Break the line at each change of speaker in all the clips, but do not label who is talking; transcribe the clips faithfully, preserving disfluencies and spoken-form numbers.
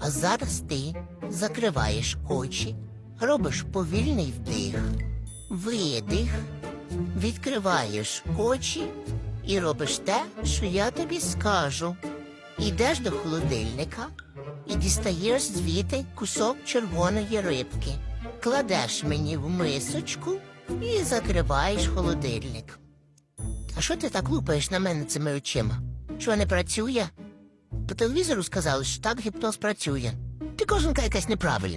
А зараз ти закриваєш очі, робиш повільний вдих, видих, відкриваєш очі і робиш те, що я тобі скажу. Ідеш до холодильника і дістаєш звідти кусок червоної рибки. Кладеш мені в мисочку і закриваєш холодильник. А що ти так лупаєш на мене цими очима? Що, не працює? По телевізору сказали, що так гіпноз працює. Ти кожанка якась неправильна.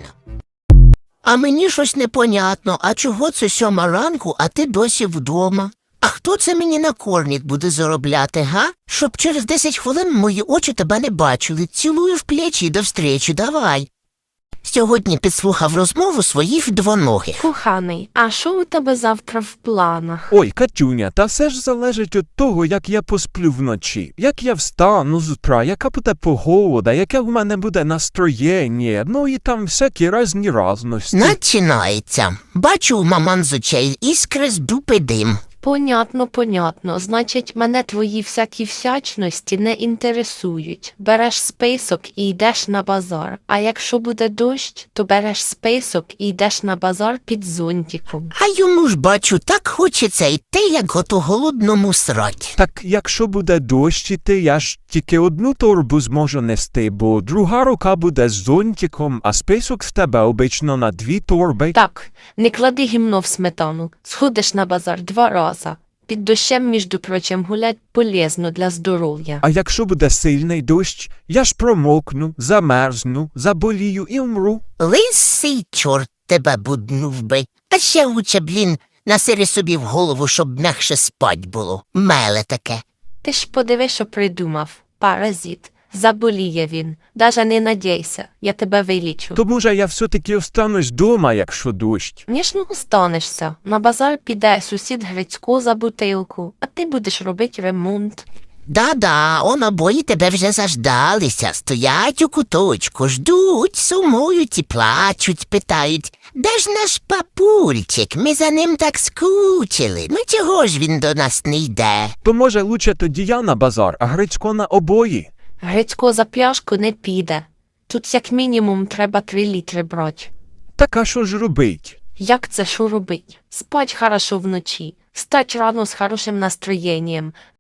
А мені щось непонятно, а чого це сьома ранку, а ти досі вдома? А хто це мені на корник буде заробляти, га? Щоб через десять хвилин мої очі тебе не бачили. Цілую в плечі і до встречі, давай. Сьогодні підслухав розмову своїх двоногих.
Коханий, а що у тебе завтра в планах?
Ой, Катюня, та все ж залежить від того, як я посплю вночі. Як я встану з утра, яка буде погода, яке в мене буде настроєння, ну і там всякі різні разності.
Начинається. Бачу у маман з очей іскри з дупи дим.
Понятно, понятно. Значить, мене твої всякі всячності не інтересують. Береш список і йдеш на базар. А якщо буде дощ, то береш список і йдеш на базар під зонтиком.
А йому ж, бачу, так хочеться йти, як ото голодному срать.
Так якщо буде дощ іти, я ж тільки одну торбу зможу нести, бо друга рука буде з зонтиком, а список в тебе обично на дві торби.
Так, не клади гімно в сметану. Сходиш на базар два рази. Під дощем, між прочим, гулять полезно для здоров'я.
А якщо буде сильний дощ, я ж промокну, замерзну, заболію і вмру.
Лисий чорт тебе буднув би. А ще лучше, блін, насири собі в голову, щоб м'якше спать було. Меле таке.
Ти ж подиви, що придумав. Паразит. Заболіє він. Даже не надійся. Я тебе вилічу.
То може я все-таки останусь дома, якщо дощ.
Звісно, останешся. На базар піде сусід Грицько за бутилку, а ти будеш робити ремонт.
Да-да, он обоє тебе вже заждалися, стоять у куточку, ждуть, сумують і плачуть, питають. Де ж наш папульчик? Ми за ним так скучили. Ну чого ж він до нас не йде?
То може лучше тоді я на базар, а Грицько на обої.
Грицько за пляшку не піде. Тут як мінімум треба три літри брати.
Так а що ж робить?
Як це що робить? Спать хорошо вночі, стать рано з хорошим настроєнням,